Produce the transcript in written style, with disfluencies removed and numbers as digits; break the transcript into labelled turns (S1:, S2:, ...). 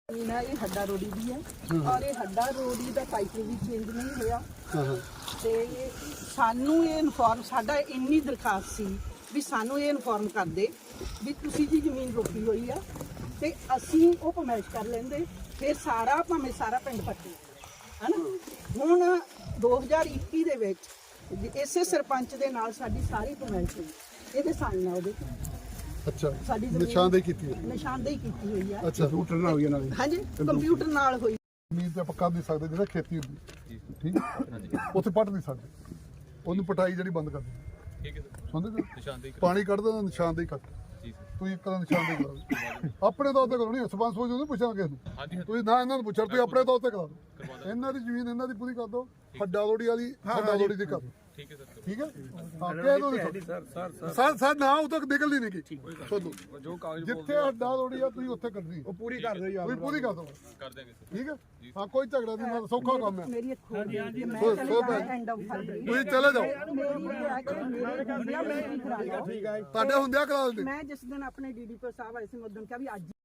S1: ये हड्डा रोडी भी है और ये हड्डा रोडी का टाइटल भी चेंज नहीं होया ते सानू ये इनफॉर्म साडा इन्नी दरखास्त सी भी सानू ये इनफॉर्म कर दे भी तुसी जी जमीन रोकी हुई है ते असी वो पमैश कर लेंदे फिर सारा भावें सारा पिंड पट्टी है ना। हुण 2021 दे विच इसे सरपंच दे नाल साडी सारी पमैश हुई इहदे साइन आ ओहदे
S2: अच्छा निशानदेही की
S1: निशानदेही की हुई है।
S2: अच्छा कंप्यूटर नाल हुई नाल
S1: हाँ जी कंप्यूटर नाल हुई
S2: ਜ਼ਮੀਨ ਤੇ ਆਪਾਂ ਕਰ ਨਹੀਂ ਸਕਦੇ ਜਿਹੜਾ ਖੇਤੀ ਹੁੰਦੀ ਠੀਕ ਉੱਥੇ ਪੱਟ ਨਹੀਂ ਸਕਦੇ ਉਹਨੂੰ ਪਟਾਈ ਜਿਹੜੀ ਬੰਦ ਕਰ ਦਿੰਦੇ ਠੀਕ ਹੈ ਸਰ ਸਮਝਦੇ ਨਿਸ਼ਾਨਦੇਹੀ ਪਾਣੀ ਕੱਢਦਾ ਨਿਸ਼ਾਨਦੇਹੀ ਕਰ ਜੀ ਸਰ ਤੁਸੀਂ ਇੱਕ ਤਰ੍ਹਾਂ ਨਿਸ਼ਾਨਦੇਹੀ ਕਰਾ ਆਪਣੇ ਤੌਰ ਤੇ ਕਰੋ ਨਹੀਂ ਸਰਪੰਚ ਸੋਚ ਉਹਨੂੰ ਪੁੱਛਾਂ ਕਿਸੇ ਨੂੰ ਤੁਸੀਂ ਨਾ ਇਹਨਾਂ ਨੂੰ ਪੁੱਛੋ ਤੁਸੀਂ ਆਪਣੇ ਤੌਰ ਤੇ ਕਰਾ ਦਿਓ ਇਹਨਾਂ ਦੀ ਜ਼ਮੀਨ ਇਹਨਾਂ ਦੀ ਪੂਰੀ ਕਰ ਦਿਓ ਹੱਡਾ ਲੋੜੀ ਵਾਲੀ ਹੱਡਾ ਲੋੜੀ ਦੀ ਕਰ ਦਿਓ ਠੀਕ ਹੈ ਸਰ ਠੀਕ ਹੈ ਹਾਂ ਕਹਿ ਦਿਓ ਸਰ ਨਾ ਉਹ ਤੱਕ ਨਿਕਲਦੀ ਨਹੀਂ ਕੀ ਸੁਣੋ ਜੋ ਕਾਗਜ਼ ਜਿੱਥੇ ਹੱਡਾ ਲੋੜੀ ਆ ਤੁਸੀਂ ਉੱਥੇ ਕਰਨੀ ਉਹ ਪੂਰੀ ਕਰ ਦਿਓ ਯਾਰ ਪੂਰੀ ਕਰ ਦਿਓ ਕਰ ਦੇਗੇ ਠੀਕ ਹੈ ਹਾਂ ਕੋਈ ਝਗੜਾ ਨਹੀਂ ਨਾਲ ਸੌਖਾ ਕੰਮ ਹੈ
S1: ਮੇਰੀ ਇੱਕ ਹੋਰ ਮੈਂ ਐਂਡ ਆਫ
S2: ਤੁਸੀਂ ਚਲੇ ਜਾਓ
S1: ਮੇਰੀ
S2: ਤੁਹਾਡੇ ਹੁੰਦਿਆ ਕਰਾ ਦਿੰਦੇ
S1: ਮੈਂ ਜਿਸ ਦਿਨ ਆਪਣੇ ਡੀਡੀਪੀ ਸਾਹਿਬ ਆਏ ਸੀ ਮੈਂ ਉਦੋਂ ਕਿਹਾ ਵੀ ਅੱਜ